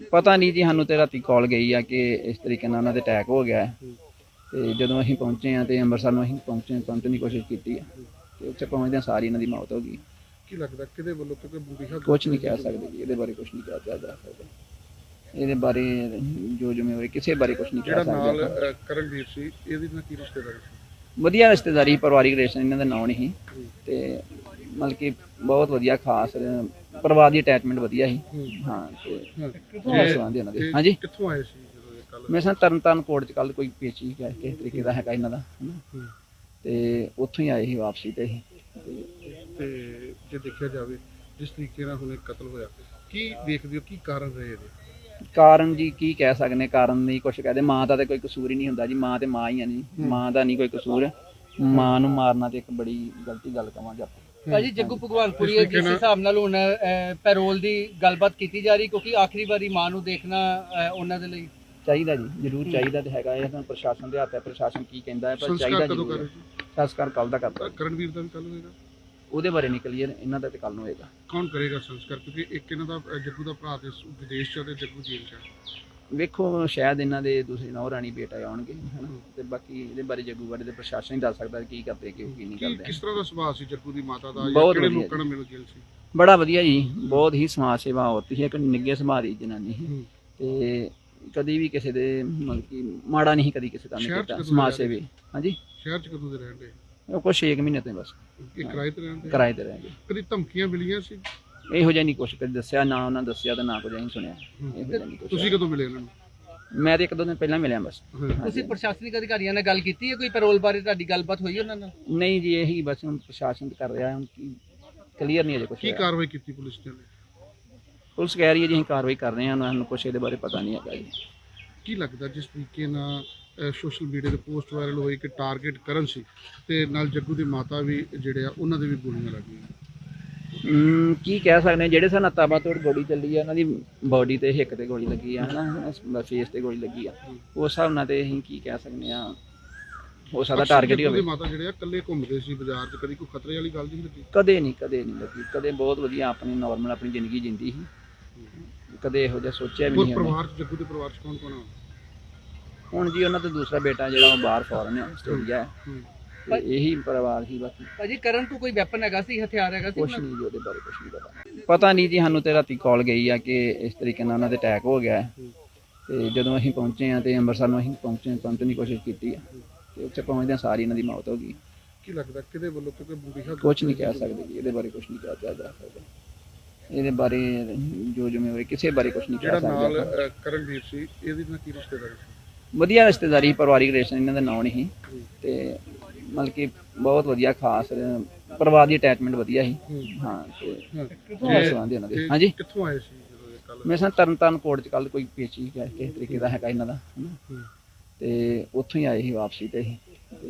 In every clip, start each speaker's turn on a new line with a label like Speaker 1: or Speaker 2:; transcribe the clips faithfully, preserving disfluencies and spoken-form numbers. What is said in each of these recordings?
Speaker 1: ਪਤਾ ਨਹੀਂ ਜੀ, ਸਾਨੂੰ ਤੇ ਰਾਤੀ ਕਾਲ ਗਈ ਆ ਕਿ ਇਸ ਤਰੀਕੇ ਨਾਲ ਉਹਨਾਂ ਦੇ ਅਟੈਕ ਹੋ ਗਿਆ ਹੈ। ਤੇ ਜਦੋਂ ਅਸੀਂ ਪਹੁੰਚੇ ਆ ਤੇ ਅੰਮ੍ਰਿਤਸਰ ਨੂੰ ਅਸੀਂ ਪਹੁੰਚੇ ਪਹੁੰਚਣ ਦੀ ਕੋਸ਼ਿਸ਼ ਕੀਤੀ ਆ ਤੇ ਉੱਥੇ ਪਹੁੰਚਦਿਆਂ ਸਾਰੀ ਇਹਨਾਂ ਦੀ ਮੌਤ ਹੋ ਗਈ।
Speaker 2: ਕੀ ਲੱਗਦਾ ਕਿਹਦੇ ਵੱਲੋਂ ਕਿਉਂਕਿ ਬੁਰੀ
Speaker 1: ਕੁਛ ਨਹੀਂ ਕਹਿ ਸਕਦੇ ਜੀ, ਇਹਦੇ ਬਾਰੇ ਕੁਛ ਨਹੀਂ ਕਿਹਾ ਜਾ ਸਕਦਾ। ਇਹਦੇ ਬਾਰੇ ਜੋ ਜ਼ਿੰਮੇਵਾਰੀ ਕਿਸੇ ਬਾਰੇ ਕੁਛ ਨਹੀਂ ਕਹਿ
Speaker 2: ਜਿਹੜਾ
Speaker 1: ਸਕਦੇ।
Speaker 2: ਨਾਲ ਕਰਨਵੀਰ ਸੀ ਇਹਦੀ ਨਾਲ ਕੀ ਰਿਸ਼ਤੇਦਾਰੀ ਸੀ?
Speaker 1: ਵਧੀਆ ਰਿਸ਼ਤੇਦਾਰੀ, ਪਰਿਵਾਰਿਕ ਰਿਲੇਸ਼ਨ ਇਹਨਾਂ ਦਾ ਨਾਂ ਨਹੀਂ ਤੇ ਮਤਲਬ ਕਿ ਬਹੁਤ ਵਧੀਆ, ਖਾਸ ਪਰਿਵਾਰ ਦੀ ਅਟੈਚਮੈਂਟ ਵਧੀਆ ਸੀ। ਹਾਂ ਤੇ ਸੰਬੰਧ ਇਹਨਾਂ ਦੇ। ਹਾਂਜੀ,
Speaker 2: ਕਿੱਥੋਂ ਆਏ ਸੀ ਜਦੋਂ ਇਹ ਕੱਲ?
Speaker 1: ਮੇਰੇ ਸਾਹ ਤਰਨਤਾਰਨ ਕੋਰਟ ਚ ਕੱਲ ਕੋਈ ਪੇਚੀ ਕਿਸੇ ਤਰੀਕੇ ਦਾ ਹੈਗਾ ਇਹਨਾਂ ਦਾ, ਹਨਾ, ਤੇ ਉੱਥੋਂ ਹੀ ਆਏ ਸੀ ਵਾਪਸੀ ਤੇ ਹੀ।
Speaker 2: ਤੇ ਜੇ ਦੇਖਿਆ ਜਾਵੇ ਜਿਸ ਤਰੀਕੇ ਨਾਲ ਹੁਣ ਇਹ ਕਤਲ ਹੋਇਆ, ਕੀ ਦੇਖਦੇ ਹੋ ਕੀ ਕਾਰਨ ਰਹੇ ਇਹਦੇ?
Speaker 1: ਕਾਰਨ ਜੀ ਕੀ ਕਹਿ ਸਕਦੇ, ਕਾਰਨ ਨਹੀਂ ਕੁਛ ਕਹਦੇ। ਮਾਂ ਦਾ ਤੇ ਕੋਈ ਕਸੂਰ ਹੀ ਨਹੀਂ ਹੁੰਦਾ ਜੀ, ਮਾਂ ਤੇ ਮਾਂ ਹੀ ਆ। ਨਹੀਂ, ਮਾਂ ਦਾ ਨਹੀਂ ਕੋਈ ਕਸੂਰ। ਮਾਂ ਨੂੰ ਮਾਰਨਾ ਤੇ ਇੱਕ ਬੜੀ ਗਲਤੀ ਗੱਲ ਕਵਾਂਗੇ ਆਪਾਂ।
Speaker 3: ਭਾਜੀ ਜੱਗੂ ਭਗਵਾਨਪੁਰੀ ਜਿਸ ਹਿਸਾਬ ਨਾਲ ਹੁਣ ਪੈਰੋਲ ਦੀ ਗੱਲਬਾਤ ਕੀਤੀ ਜਾ ਰਹੀ, ਕਿਉਂਕਿ ਆਖਰੀ ਵਾਰੀ ਮਾਂ ਨੂੰ ਦੇਖਣਾ ਉਹਨਾਂ ਦੇ ਲਈ
Speaker 1: ਚਾਹੀਦਾ ਜੀ, ਜ਼ਰੂਰ ਚਾਹੀਦਾ ਤੇ ਹੈਗਾ। ਇਹ ਤਾਂ ਪ੍ਰਸ਼ਾਸਨ ਦੇ ਹੱਥ ਹੈ, ਪ੍ਰਸ਼ਾਸਨ ਕੀ ਕਹਿੰਦਾ ਹੈ, ਪਰ ਚਾਹੀਦਾ ਜੀ। ਸੰਸਕਾਰ ਕੱਲ ਦਾ ਕਰਦਾ।
Speaker 2: ਕਰਨਵੀਰ ਦਾ ਵੀ ਕੱਲ ਹੋਏਗਾ?
Speaker 1: ਉਹਦੇ ਬਾਰੇ ਨਹੀਂ ਕਲੀਅਰ, ਇਹਨਾਂ ਦਾ ਤੇ ਕੱਲ ਨੂੰ ਹੋਏਗਾ।
Speaker 2: ਕੌਣ ਕਰੇਗਾ ਸੰਸਕਾਰ? ਕਿਉਂਕਿ ਇੱਕ ਇਹਨਾਂ ਦਾ ਜੱਗੂ ਦਾ ਭਰਾ ਤੇ ਵਿਦੇਸ਼ ਚ ਤੇ ਜੱਗੂ ਜੇਲ੍ਹ ਚ।
Speaker 1: ਵੇਖੋ, ਸ਼ਾਇਦ ਇਹਨਾਂ ਦੇ ਦੂਸਰੇ ਨੌ ਰਾਣੀ ਬੇਟਾ ਆਉਣਗੇ, ਹਨਾ, ਤੇ ਬਾਕੀ ਇਹਦੇ ਬਾਰੇ ਜੱਗੂ ਬਾਰੇ ਤੇ ਪ੍ਰਸ਼ਾਸਨ ਹੀ ਦੱਸ ਸਕਦਾ ਕੀ ਕਰਦੇ ਕਿ ਕੀ ਨਹੀਂ ਕਰਦੇ।
Speaker 2: ਕਿਸ ਤਰ੍ਹਾਂ ਦਾ ਸੁਭਾਅ ਸੀ ਜੱਗੂ ਦੀ ਮਾਤਾ ਦਾ?
Speaker 1: ਬਹੁਤ
Speaker 2: ਕਿਹੜੇ ਲੋਕਾਂ ਨਾਲ ਮਿਲ ਗਿਲ ਸੀ?
Speaker 1: ਬੜਾ ਵਧੀਆ ਜੀ, ਬਹੁਤ ਹੀ ਸਮਾਜ ਸੇਵਾ ਔਰਤ ਸੀ, ਇੱਕ ਨਿੱਘੇ ਸੁਭਾਅ ਦੀ ਜਨਾਨੀ ਸੀ ਤੇ ਕਦੀ ਵੀ ਕਿਸੇ ਦੇ ਮਤਲਬ ਕਿ ਮਾੜਾ ਨਹੀਂ ਕਦੀ ਕਿਸੇ ਦਾ ਨਹੀਂ ਕੀਤਾ। ਸਮਾਜ ਸੇਵੀ। ਹਾਂਜੀ,
Speaker 2: ਸ਼ਹਿਰ ਚ ਕਦੋਂ ਦੇ ਰਹਿੰਦੇ?
Speaker 1: ਉਹ ਕੁਛ ਛੇ ਮਹੀਨੇ ਤੋਂ ਬਸ
Speaker 2: ਇਹ ਕਿਰਾਏ ਤੇ ਰਹਿੰਦੇ?
Speaker 1: ਕਿਰਾਏ ਤੇ ਰਹਿੰਦੇ।
Speaker 2: ਕਦੀ ਧਮਕੀਆਂ ਮਿਲੀਆਂ ਸੀ?
Speaker 1: ਇਹੋ ਜਿਹਾ ਨਹੀਂ ਕੁਛ ਕਦੀ ਦੱਸਿਆ, ਨਾ ਉਹਨਾਂ ਦੱਸਿਆ ਤੇ ਨਾ ਕੁਝ ਅਸੀਂ ਸੁਣਿਆ। ਇਹੋ ਜਿਹਾ ਨਹੀਂ ਕੁਛ।
Speaker 2: ਤੁਸੀਂ ਕਦੋਂ ਮਿਲੇ ਇਹਨਾਂ ਨੂੰ?
Speaker 1: ਮੈਂ ਤੇ ਇੱਕ ਦੋ ਦਿਨ ਪਹਿਲਾਂ ਮਿਲਿਆ ਬਸ।
Speaker 3: ਤੁਸੀਂ ਪ੍ਰਸ਼ਾਸਨਿਕ ਅਧਿਕਾਰੀਆਂ ਨਾਲ ਗੱਲ ਕੀਤੀ ਹੈ? ਕੋਈ ਪੈਰੋਲ ਬਾਰੇ ਤੁਹਾਡੀ ਗੱਲਬਾਤ ਹੋਈ ਉਹਨਾਂ ਨਾਲ?
Speaker 1: ਨਹੀਂ ਜੀ, ਇਹੀ ਬਸ ਹੁਣ ਪ੍ਰਸ਼ਾਸਨ ਕਰ ਰਿਹਾ, ਹੁਣ ਕੀ ਕਲੀਅਰ ਨਹੀਂ ਅਜੇ ਕੁਛ।
Speaker 2: ਕੀ ਕਾਰਵਾਈ ਕੀਤੀ ਪੁਲਿਸ ਨੇ?
Speaker 1: ਪੁਲਿਸ ਕਹਿ ਰਹੀ ਹੈ ਜੀ ਅਸੀਂ ਕਾਰਵਾਈ ਕਰ ਰਹੇ ਹਾਂ, ਸਾਨੂੰ ਕੁਛ ਇਹਦੇ ਬਾਰੇ ਪਤਾ ਨਹੀਂ ਹੈਗਾ ਜੀ।
Speaker 2: ਕੀ ਲੱਗਦਾ ਜਿਸ ਤਰੀਕੇ ਨਾਲ ਸੋਸ਼ਲ ਮੀਡੀਆ ਤੇ ਪੋਸਟ ਵਾਇਰਲ ਹੋਈ ਕਿ ਟਾਰਗੇਟ ਕਰਨ ਸੀ ਤੇ ਨਾਲ ਜੱਗੂ ਦੀ ਮਾਤਾ ਵੀ ਜਿਹੜੇ ਆ ਉਹਨਾਂ ਦੇ ਵੀ ਗੋਲੀਆਂ ਲੱਗੀਆਂ?
Speaker 1: ਹਮ ਕੀ ਕਹਿ ਸਕਦੇ ਹਾਂ, ਜਿਹੜੇ ਸਾਨੂੰ ਤਾਬੜਤੋੜ ਗੋਲੀ ਚੱਲੀ ਆ, ਉਹਨਾਂ ਦੀ ਬੋਡੀ ਤੇ ਹਿੱਕ ਤੇ ਗੋਲੀ ਲੱਗੀ ਆ, ਹਨਾ, ਫੇਸ ਤੇ ਗੋਲੀ ਲੱਗੀ ਆ। ਉਸ ਹਿਸਾਬ ਨਾਲ ਤੇ ਅਸੀਂ ਕੀ ਕਹਿ ਸਕਦੇ ਹਾਂ, ਹੋ ਸਕਦਾ ਟਾਰਗੇਟ ਹੀ ਹੋਵੇ।
Speaker 2: ਮਾਤਾ ਜਿਹੜੇ ਆ ਇਕੱਲੇ ਘੁੰਮਦੇ ਸੀ ਬਾਜ਼ਾਰ 'ਚ, ਕਦੀ ਕੋਈ ਖਤਰੇ ਵਾਲੀ ਗੱਲ ਨਹੀਂ ਲੱਗੀ?
Speaker 1: ਕਦੇ ਨਹੀਂ, ਕਦੇ ਨਹੀਂ ਲੱਗੀ, ਕਦੇ ਬਹੁਤ ਵਧੀਆ ਆਪਣੀ ਨਾਰਮਲ ਆਪਣੀ ਜ਼ਿੰਦਗੀ ਜਿੰਦੀ ਸੀ, ਕਦੇ ਇਹੋ ਜਿਹਾ ਸੋਚਿਆ ਵੀ ਨਹੀਂ।
Speaker 2: ਪਰਿਵਾਰ 'ਚ ਜੱਗੂ ਦੇ ਪਰਿਵਾਰ 'ਚ ਕੌਣ ਕੌਣ ਆ
Speaker 1: ਹੁਣ ਜੀ? ਉਹਨਾਂ ਦਾ ਦੂਸਰਾ ਬੇਟਾ ਜਿਹੜਾ ਉਹ ਬਾਹਰ ਫੋਰਨ ਹੈ, ਆਸਟ੍ਰੇਲੀਆ ਹੈ, ਇਹੀ ਪਰਿਵਾਰ ਹੀ ਬਾਕੀ।
Speaker 3: ਭਾਜੀ ਕਰਨ ਤੋਂ ਕੋਈ ਵੈਪਨ ਹੈਗਾ ਸੀ, ਹਥਿਆਰ ਹੈਗਾ ਸੀ?
Speaker 1: ਕੁਛ ਨਹੀਂ ਜੀ, ਉਹਦੇ ਬਾਰੇ ਕੁਛ ਨਹੀਂ ਪਤਾ। ਪਤਾ ਨਹੀਂ ਜੀ, ਸਾਨੂੰ ਤੇ ਰਾਤੀ ਕਾਲ ਗਈ ਆ ਕਿ ਇਸ ਤਰੀਕੇ ਨਾਲ ਉਹਨਾਂ ਦੇ ਅਟੈਕ ਹੋ ਗਿਆ ਹੈ। ਤੇ ਜਦੋਂ ਅਸੀਂ ਪਹੁੰਚੇ ਆ ਤੇ ਅੰਮ੍ਰਿਤਸਰ ਨੂੰ ਅਸੀਂ ਪਹੁੰਚੇ ਪਹੁੰਚਣ ਦੀ ਕੋਸ਼ਿਸ਼ ਕੀਤੀ ਆ ਤੇ ਉੱਥੇ ਪਹੁੰਚਦਿਆਂ ਸਾਰੀ ਇਹਨਾਂ ਦੀ ਮੌਤ ਹੋ ਗਈ।
Speaker 2: ਕੀ ਲੱਗਦਾ ਕਿਹਦੇ ਵੱਲੋਂ ਕਿਉਂਕਿ ਬੁਰੀ
Speaker 1: ਕੁਛ ਨਹੀਂ ਕਹਿ ਸਕਦੇ ਜੀ, ਇਹਦੇ ਬਾਰੇ ਕੁਛ ਨਹੀਂ ਕਿਹਾ ਜਾ ਸਕਦਾ। ਇਹਦੇ ਬਾਰੇ ਜੋ ਜ਼ਿੰਮੇਵਾਰੀ ਕਿਸੇ ਬਾਰੇ ਕੁਛ ਨਹੀਂ ਕਹਿ ਸਕਦੇ।
Speaker 2: ਜਿਹੜਾ ਨਾਲ ਕਰਨਵੀਰ ਸੀ ਇਹਦੀ ਨਾਲ ਕੀ ਰਿਸ਼ਤੇਦਾਰੀ ਸੀ?
Speaker 1: ਵਧੀਆ ਰਿਸ਼ਤੇਦਾਰੀ, ਪਰਿਵਾਰਿਕ ਰਿਲੇਸ਼ਨ ਇਹਨਾਂ ਦਾ ਨਾਂ ਨਹੀਂ ਤੇ ਮਤਲਬ ਕਿ ਬਹੁਤ ਵਧੀਆ, ਖਾਸ ਪਰਿਵਾਰ ਦੀ ਅਟੈਚਮੈਂਟ ਵਧੀਆ ਸੀ। ਹਾਂ ਤੇ ਸੰਬੰਧ ਇਹਨਾਂ ਦੇ। ਹਾਂਜੀ,
Speaker 2: ਕਿੱਥੋਂ ਆਏ ਸੀ ਜਦੋਂ ਇਹ ਕੱਲ?
Speaker 1: ਮੇਰੇ ਸਾਹ ਤਰਨਤਾਰਨ ਕੋਰਟ ਚ ਕੱਲ ਕੋਈ ਪੇਚੀ ਕਿਸੇ ਤਰੀਕੇ ਦਾ ਹੈਗਾ ਇਹਨਾਂ ਦਾ, ਹਨਾ, ਤੇ ਉੱਥੋਂ ਹੀ ਆਏ ਸੀ ਵਾਪਸੀ ਤੇ ਹੀ।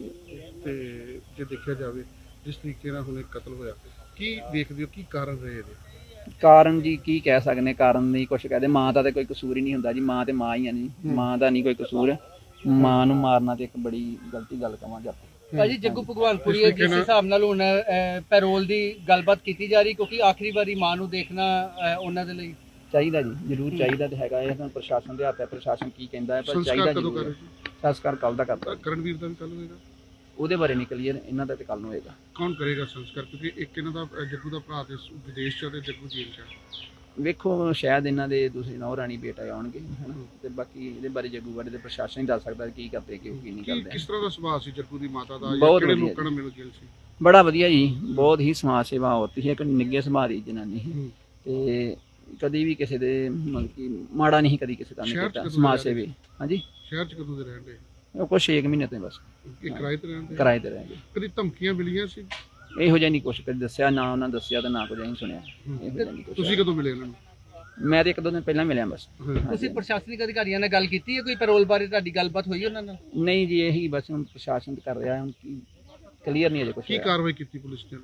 Speaker 2: ਤੇ ਜੇ ਦੇਖਿਆ ਜਾਵੇ ਜਿਸ ਤਰੀਕੇ ਨਾਲ ਹੁਣ ਇਹ ਕਤਲ ਹੋਇਆ, ਕੀ ਦੇਖਦੇ ਹੋ ਕੀ ਕਾਰਨ ਰਹੇ ਇਹਦੇ?
Speaker 1: ਕਾਰਨ ਜੀ ਕੀ ਕਹਿ ਸਕਦੇ, ਕਾਰਨ ਨਹੀਂ ਕੁਛ ਕਹਦੇ। ਮਾਂ ਦਾ ਤੇ ਕੋਈ ਕਸੂਰ ਹੀ ਨਹੀਂ ਹੁੰਦਾ ਜੀ, ਮਾਂ ਤੇ ਮਾਂ ਹੀ ਆ। ਨਹੀਂ, ਮਾਂ ਦਾ ਨਹੀਂ ਕੋਈ ਕਸੂਰ। ਮਾਂ ਨੂੰ ਮਾਰਨਾ ਤੇ ਇੱਕ ਬੜੀ ਗਲਤੀ ਗੱਲ ਕਵਾਂਗੇ ਆਪਾਂ।
Speaker 3: ਭਾਜੀ ਜੱਗੂ ਭਗਵਾਨਪੁਰੀ ਜਿਸ ਹਿਸਾਬ ਨਾਲ ਹੁਣ ਪੈਰੋਲ ਦੀ ਗੱਲਬਾਤ ਕੀਤੀ ਜਾ ਰਹੀ, ਕਿਉਂਕਿ ਆਖਰੀ ਵਾਰੀ ਮਾਂ ਨੂੰ ਦੇਖਣਾ ਉਹਨਾਂ ਦੇ ਲਈ
Speaker 1: ਚਾਹੀਦਾ ਜੀ, ਜ਼ਰੂਰ ਚਾਹੀਦਾ ਤੇ ਹੈਗਾ। ਇਹ ਤਾਂ ਪ੍ਰਸ਼ਾਸਨ ਦੇ ਹੱਥ ਹੈ, ਪ੍ਰਸ਼ਾਸਨ ਕੀ ਕਹਿੰਦਾ ਹੈ, ਪਰ ਚਾਹੀਦਾ ਜੀ। ਸੰਸਕਾਰ ਕੱਲ ਦਾ ਕਰਦਾ।
Speaker 2: ਕਰਨਵੀਰ ਦਾ ਵੀ ਕੱਲ ਹੋਏਗਾ?
Speaker 1: ਉਹਦੇ ਬਾਰੇ ਨਹੀਂ ਕਲੀਅਰ, ਇਹਨਾਂ ਦਾ ਤੇ ਕੱਲ ਨੂੰ ਹੋਏਗਾ।
Speaker 2: ਕੌਣ ਕਰੇਗਾ ਸੰਸਕਾਰ? ਕਿਉਂਕਿ ਇੱਕ ਇਹਨਾਂ ਦਾ ਜੱਗੂ ਦਾ ਭਰਾ ਤੇ ਵਿਦੇਸ਼ ਚ ਤੇ ਜੱਗੂ ਜੇਲ੍ਹ ਚ।
Speaker 1: ਵੇਖੋ, ਸ਼ਾਇਦ ਇਹਨਾਂ ਦੇ ਦੂਸਰੇ ਨੌ ਰਾਣੀ ਬੇਟਾ ਆਉਣਗੇ, ਹਨਾ, ਤੇ ਬਾਕੀ ਇਹਦੇ ਬਾਰੇ ਜੱਗੂ ਬਾਰੇ ਤੇ ਪ੍ਰਸ਼ਾਸਨ ਹੀ ਦੱਸ ਸਕਦਾ ਕੀ ਕਰਦੇ ਕਿ ਕੀ ਨਹੀਂ ਕਰਦੇ।
Speaker 2: ਕਿਸ ਤਰ੍ਹਾਂ ਦਾ ਸੁਭਾਅ ਸੀ ਜੱਗੂ ਦੀ ਮਾਤਾ ਦਾ?
Speaker 1: ਕਿਹੜੇ
Speaker 2: ਲੋਕਾਂ ਨਾਲ ਮਿਲ ਗਿਲ ਸੀ?
Speaker 1: ਬੜਾ ਵਧੀਆ ਜੀ, ਬਹੁਤ ਹੀ ਸਮਾਜ ਸੇਵਾ ਔਰਤ ਸੀ, ਇੱਕ ਨਿੱਘੇ ਸੁਭਾਅ ਦੀ ਜਨਾਨੀ ਸੀ ਤੇ ਕਦੀ ਵੀ ਕਿਸੇ ਦੇ ਮਤਲਬ ਕਿ ਮਾੜਾ ਨਹੀਂ ਕਦੀ ਕਿਸੇ ਦਾ ਨਹੀਂ ਕੀਤਾ। ਸਮਾਜ ਸੇਵੀ। ਹਾਂਜੀ,
Speaker 2: ਸ਼ਹਿਰ 'ਚ ਕਦੋਂ ਦੇ ਰਹਿੰਦੇ?
Speaker 1: ਉਹ ਕੁਛ ਛੇ ਮਹੀਨੇ ਤੋਂ ਬਸ
Speaker 2: ਕਿਰਾਏ ਤੇ ਰਹਿੰਦੇ?
Speaker 1: ਕਿਰਾਏ ਤੇ ਰਹਿੰਦੇ।
Speaker 2: ਕਦੀ ਧਮਕੀਆਂ ਮਿਲੀਆਂ ਸੀ?
Speaker 1: ਇਹੋ ਜਿਹਾ ਨਹੀਂ ਕੁਛ ਕਦੀ ਦੱਸਿਆ, ਨਾ ਉਹਨਾਂ ਦੱਸਿਆ ਤੇ ਨਾ ਕੁਝ ਅਸੀਂ ਸੁਣਿਆ। ਇਹੋ ਜਿਹਾ ਨਹੀਂ ਕੁਛ।
Speaker 2: ਤੁਸੀਂ ਕਦੋਂ ਮਿਲੇ ਇਹਨਾਂ ਨੂੰ?
Speaker 1: ਮੈਂ ਤੇ ਇੱਕ ਦੋ ਦਿਨ ਪਹਿਲਾਂ ਮਿਲਿਆ ਬਸ।
Speaker 3: ਤੁਸੀਂ ਪ੍ਰਸ਼ਾਸਨਿਕ ਅਧਿਕਾਰੀਆਂ ਨਾਲ ਗੱਲ ਕੀਤੀ ਹੈ? ਕੋਈ ਪੈਰੋਲ ਬਾਰੇ ਤੁਹਾਡੀ ਗੱਲਬਾਤ ਹੋਈ ਉਹਨਾਂ ਨਾਲ?
Speaker 1: ਨਹੀਂ ਜੀ, ਇਹੀ ਬਸ ਹੁਣ ਪ੍ਰਸ਼ਾਸਨ ਕਰ ਰਿਹਾ, ਹੁਣ ਕੀ ਕਲੀਅਰ ਨਹੀਂ ਅਜੇ ਕੁਛ।
Speaker 2: ਕੀ ਕਾਰਵਾਈ ਕੀਤੀ ਪੁਲਿਸ ਨੇ?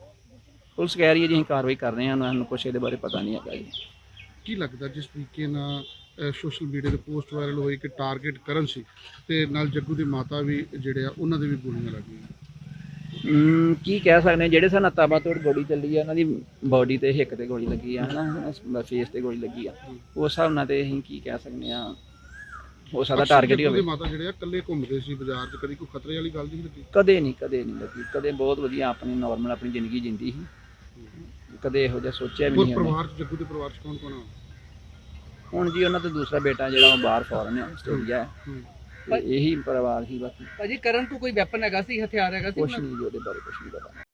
Speaker 1: ਪੁਲਿਸ ਕਹਿ ਰਹੀ ਹੈ ਜੀ ਅਸੀਂ ਕਾਰਵਾਈ ਕਰ ਰਹੇ ਹਾਂ, ਸਾਨੂੰ ਕੁਛ ਇਹਦੇ ਬਾਰੇ ਪਤਾ ਨਹੀਂ ਹੈਗਾ ਜੀ।
Speaker 2: ਕੀ ਲੱਗਦਾ ਜਿਸ ਤਰੀਕੇ ਨਾਲ ਸੋਸ਼ਲ ਮੀਡੀਆ ਤੇ ਪੋਸਟ ਵਾਇਰਲ ਹੋਈ ਕਿ ਟਾਰਗੇਟ ਕਰਨ ਸੀ ਤੇ ਨਾਲ ਜੱਗੂ ਦੀ ਮਾਤਾ ਵੀ ਜਿਹੜੇ ਆ ਉਹਨਾਂ ਦੇ ਵੀ ਗੋਲੀਆਂ ਲੱਗੀਆਂ?
Speaker 1: ਹਮ, ਕੀ ਕਹਿ ਸਕਦੇ ਹਾਂ, ਜਿਹੜੇ ਸਾਨੂੰ ਤਾਬਾ ਤੋੜ ਗੋਲੀ ਚੱਲੀ ਆ ਉਹਨਾਂ ਦੀ ਬੋਡੀ ਤੇ ਹਿੱਕ ਤੇ ਗੋਲੀ ਲੱਗੀ ਆ ਹਨਾ, ਫੇਸ ਤੇ ਗੋਲੀ ਲੱਗੀ ਆ, ਉਸ ਹਿਸਾਬ ਨਾਲ ਤੇ ਅਸੀਂ ਕੀ ਕਹਿ ਸਕਦੇ ਆ, ਹੋ ਸਕਦਾ ਟਾਰਗੇਟ ਹੀ
Speaker 2: ਜੱਗੂ ਦੇ
Speaker 1: ਹੋਵੇ।
Speaker 2: ਮਾਤਾ ਜਿਹੜੇ ਆ ਇਕੱਲੇ ਘੁੰਮਦੇ ਸੀ ਬਾਜ਼ਾਰ 'ਚ, ਕਦੀ ਕੋਈ ਖਤਰੇ ਵਾਲੀ ਗੱਲ ਨਹੀਂ ਲੱਗੀ?
Speaker 1: ਕਦੇ ਨਹੀਂ ਕਦੇ ਨਹੀਂ ਲੱਗੀ, ਕਦੇ ਬਹੁਤ ਵਧੀਆ ਆਪਣੀ ਨਾਰਮਲ ਆਪਣੀ ਜ਼ਿੰਦਗੀ ਜਿੰਦੀ ਸੀ, ਕਦੇ ਇਹੋ ਜਿਹਾ ਸੋਚਿਆ ਵੀ
Speaker 2: ਹੋਰ
Speaker 1: ਨਹੀਂ ਉਹਨੇ।
Speaker 2: ਪਰਿਵਾਰ 'ਚ ਜੱਗੂ ਦੇ ਪਰਿਵਾਰ 'ਚ ਕੌਣ ਕੌਣ ਆ?
Speaker 1: ਹੁਣ ਜੀ ਉਹਨਾਂ ਦਾ ਦੂਸਰਾ ਬੇਟਾ ਜਿਹੜਾ ਉਹ ਬਾਹਰ ਫੋਰਨ ਹੈ, ਆਸਟ੍ਰੇਲੀਆ ਹੈ,
Speaker 2: ਹੂੰ।
Speaker 1: ਤੇ ਇਹੀ ਪਰਿਵਾਰ ਸੀ ਬਾਕੀ
Speaker 3: ਭਾਜੀ ਕਰਨ ਤੋਂ ਕੋਈ ਵੈਪਨ ਹੈਗਾ ਸੀ, ਹਥਿਆਰ ਹੈਗਾ ਸੀ
Speaker 1: ਕੁਛ
Speaker 3: ਉਹਨਾਂ
Speaker 1: ਨਹੀਂ ਜੀ ਉਹਦੇ ਬਾਰੇ ਕੁਛ ਨਹੀਂ ਪਤਾ।